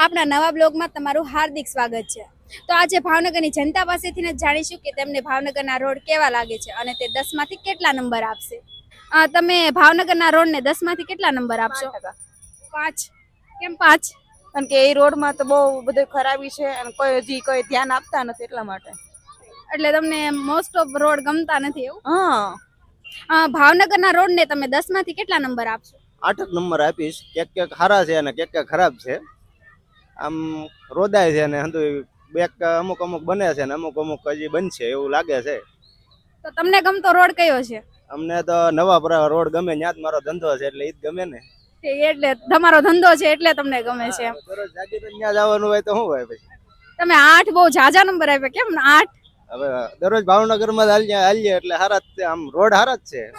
આપણા નવા બ્લોગમાં તમારું હાર્દિક સ્વાગત છે। તો આજે ભાવનગરની જનતા પાસેથી જ જાણીશું કે તેમને ભાવનગરના રોડ કેવા લાગે છે અને તે 10 માંથી કેટલા નંબર આપશે। તમે ભાવનગરના રોડને 10 માંથી કેટલા નંબર આપશો? 5। કેમ 5? કારણ કે એ રોડમાં તો બહુ બધું ખરાબી છે અને કોઈ ધ્યાન આપતા નથી એટલા માટે। એટલે તમને મોસ્ટ ઓફ રોડ ગમતા નથી એવું? હા, ભાવનગરના રોડને તમે 10 માંથી કેટલા નંબર આપશો? 8 નંબર આપીશ। ક્યાંક સારા છે અને ક્યાંક ખરાબ છે। આમ રોદાય છે અને અમુક બને છે ને અમુક હજી બનશે એવું લાગે છે। તો તમને ગમતો રોડ કયો છે? અમને તો નવા રોડ ગમે, ત્યાં જ મારો ધંધો છે એટલે ઈ જ ગમે ને। એટલે તમારો ધંધો છે એટલે તમને ગમે છે એમ? દરરોજ જાગી તો ત્યાં જવાનું હોય તો શું હોય પછી? તમે 8 બહુ ઝાઝા નંબર આપ્યા, કેમ 8? હવે દરરોજ ભાવનગરમાં હાલીએ એટલે હારા જ છે, આમ રોડ હારા જ છે।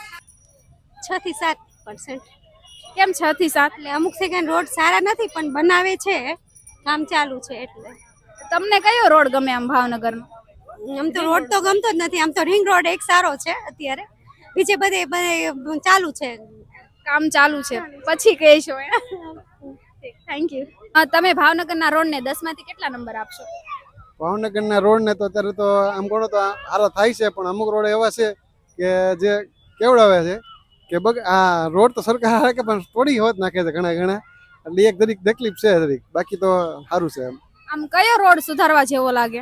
6 થી 7%। કેમ 6 થી 7? એટલે અમુક સેકન્ડ રોડ સારા નથી પણ બનાવે છે, કામ ચાલુ છે એટલે। તમને કયો રોડ ગમે આમ ભાવનગરનો? આમ તો રોડ તો ગમતો જ નથી, આમ તો રિંગ રોડ એક સારો છે અત્યારે, બીજે બધે ચાલુ છે, કામ ચાલુ છે પછી કહેશો। Thank you. તમે ભાવનગરના રોડને 10 માંથી કેટલા નંબર આપશો? ભાવનગરના રોડ ને તો અત્યારે તો આમ ગણો તો સારા થાય છે, પણ અમુક રોડ એવા છે કે જે કેવડાવે છે કે આ રોડ તો સરકાર હારે કે પણ થોડી હોત નાખે છે ઘણા એટલે એક દરેક તકલીફ છે દરેક, બાકી તો સારું છે। આમ કયો રોડ સુધારવા જેવો લાગે?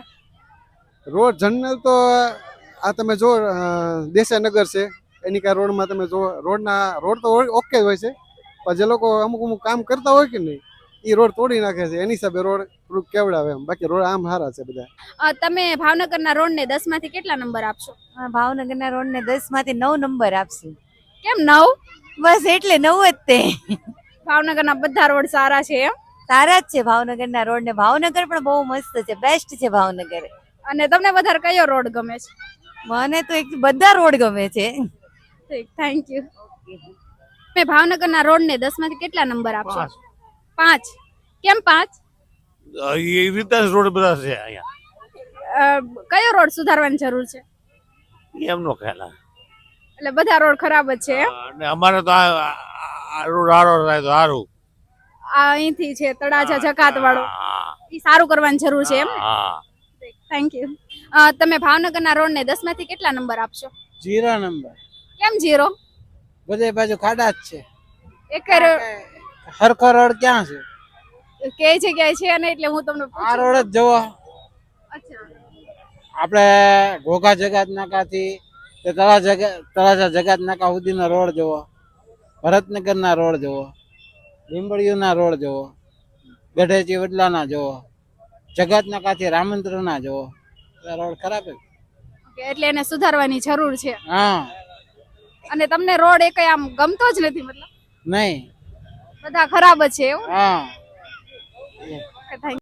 રોડ જનરલ તો આ તમે જો દેસાઈનગર છે એની કા રોડમાં તમે જો રોડ તો ઓકે જ હોય છે, પણ જે લોકો અમુક કામ કરતા હોય કે નહીં એ રોડ તોડી નાખે છે, એની હિસાબે રોડ થોડુંક કેવડાવે એમ, બાકી રોડ આમ સારા છે બધા। તમે ભાવનગરના રોડને 10 માંથી કેટલા નંબર આપશો? ભાવનગરના રોડને 10 માંથી 9 નંબર આપશું। કેમ 9? બસ એટલે 9 જ તે। ભાવનગરના બધા રોડ સારા છે એમ? સારા જ છે ભાવનગરના રોડ ને, ભાવનગર પણ બહુ મસ્ત છે, બેસ્ટ છે ભાવનગર। અને તમને વધારે કયો રોડ ગમે છે? મને તો બધા રોડ ગમે છે। Thank you. તમે ભાવનગરના રોડને 10 માંથી કેટલા નંબર આપશો? 5। કેમ 5? એ રીતે રોડ બધા છે અહીંયા। કયો રોડ સુધારવાની જરૂર છે? એમનો ખ્યાલ એટલે બધા રોડ ખરાબ જ છે એમ? અને અમારે તો આ રોડ સારો થાય તો સારું। આ અહીંથી છે તળાજા જકાત વાળો, એ સારું કરવાની જરૂર છે એમ? Thank you. તમે ભાવનગરના રોડને 10 માંથી કેટલા નંબર આપશો? 0 નંબર। કેમ 0? બધે બાજુ ખાડા જ છે, એક હરખો રોડ ક્યાં છે? કે જગ્યાએ છે ને એટલે હું તમને આ રોડ જ જોવો। અચ્છા, આપણે ઘોઘા જગાત નાકાથી તળાજા જગાત નાકા સુધીનો રોડ જોવો, ભરતનગરના રોડ જોવો, લીંબડીયુના રોડ જોવો, ગઢેચી વડલાના જોવો, જગાત નાકાથી રામંદ્રના જોવો, રોડ ખરાબ છે એટલે એને સુધારવાની જરૂર છે। હા, અને તમને રોડ એક આમ ગમતો જ નથી મતલબ? નહીં, બધા ખરાબ જ છે એવું? હા। થેન્ક